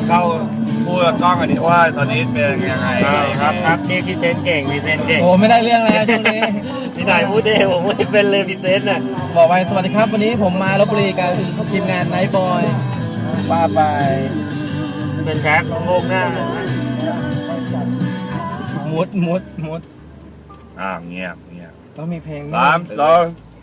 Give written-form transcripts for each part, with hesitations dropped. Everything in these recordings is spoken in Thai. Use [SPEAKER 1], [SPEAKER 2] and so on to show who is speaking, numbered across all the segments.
[SPEAKER 1] เข้าพูดกับกล้องอันนี้ว่าตอนนี้เป็นยังไง
[SPEAKER 2] ครับนี่พี่เซนเก่งพี่เซนเก่ง
[SPEAKER 3] โอ้ไม่ได้เรื่องเลยนะช่วงนี้
[SPEAKER 2] พี่นายพูดเองผมไม่เป็นเลยพี่เซนน่ะ
[SPEAKER 3] บอกไปสวัสดีครับวันนี้ผมมาลบบุรีกับทีมงานไนท์บอยว่าไป
[SPEAKER 2] เป็นแชมป์โลกหน้า
[SPEAKER 3] มุด
[SPEAKER 1] เงียบ
[SPEAKER 3] ต้องมีเพลง
[SPEAKER 1] สามสอง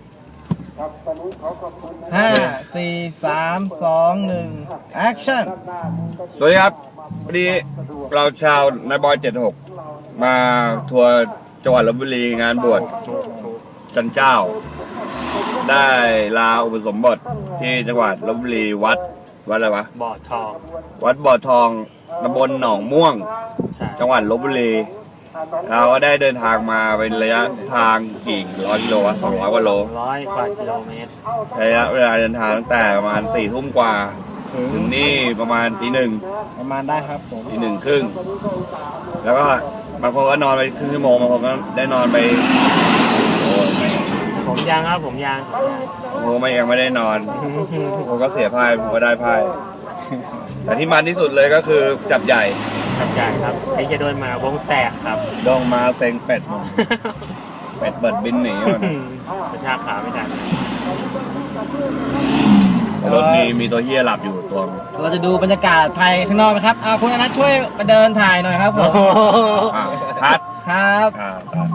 [SPEAKER 3] 5 4 3 2 1 action
[SPEAKER 1] สวัสดีครับวันนี้เราชาวนายบอย76มาทัวร์จังหวัดลบบุรีงานบวชจันเจ้า ได้ลาอุปสมบทที่จังหวัดลบบุรีวัดอะไรวะ
[SPEAKER 2] บ่อทอง
[SPEAKER 1] วัดบ่อทองตำบลหนองม่วง
[SPEAKER 2] ใช่
[SPEAKER 1] จังหวัดลบบุรี เราก็ได้เดินทางมาเป็นระยะทางกี่ร้อยกิโลวะ200 กว่าโล
[SPEAKER 2] 100 กว่ากิโลเมตร
[SPEAKER 1] ใช้ระยะเวลาเดินทางตั้งแต่ประมาณ4 ทุ่มกว่า ถึงนี่ประมาณตี 1
[SPEAKER 3] ประมาณได้ครับผม
[SPEAKER 1] ตี 1 ครึ่ง แล้วก็บางคนก็นอนไปครึ่งชั่วโมงบางคนก็ได้นอนไปโอ้ย
[SPEAKER 2] ผมยางครับผมยาง
[SPEAKER 1] บางคนก็ยังไม่ได้นอนผมก็เสียพายผมก็ได้พายแต่ที่มันที่สุดเลยก็คือจับใหญ่
[SPEAKER 2] ครับใหญ่ครับที่จะโดนมาวงแตกครับ
[SPEAKER 1] ดองมาเซ็งเป็ดหมดเป็ดเปิดบินหนีหมด
[SPEAKER 2] ประชาขาไม่ทัน
[SPEAKER 1] รถมีตัวเฮียหลับอยู่ตัว
[SPEAKER 3] เราจะดูบรรยากาศภายข้างนอกนะครับคุณอนัทช่วยมาเดินถ่ายหน่อยครับผม
[SPEAKER 1] คัด
[SPEAKER 3] ครับ
[SPEAKER 1] ตัด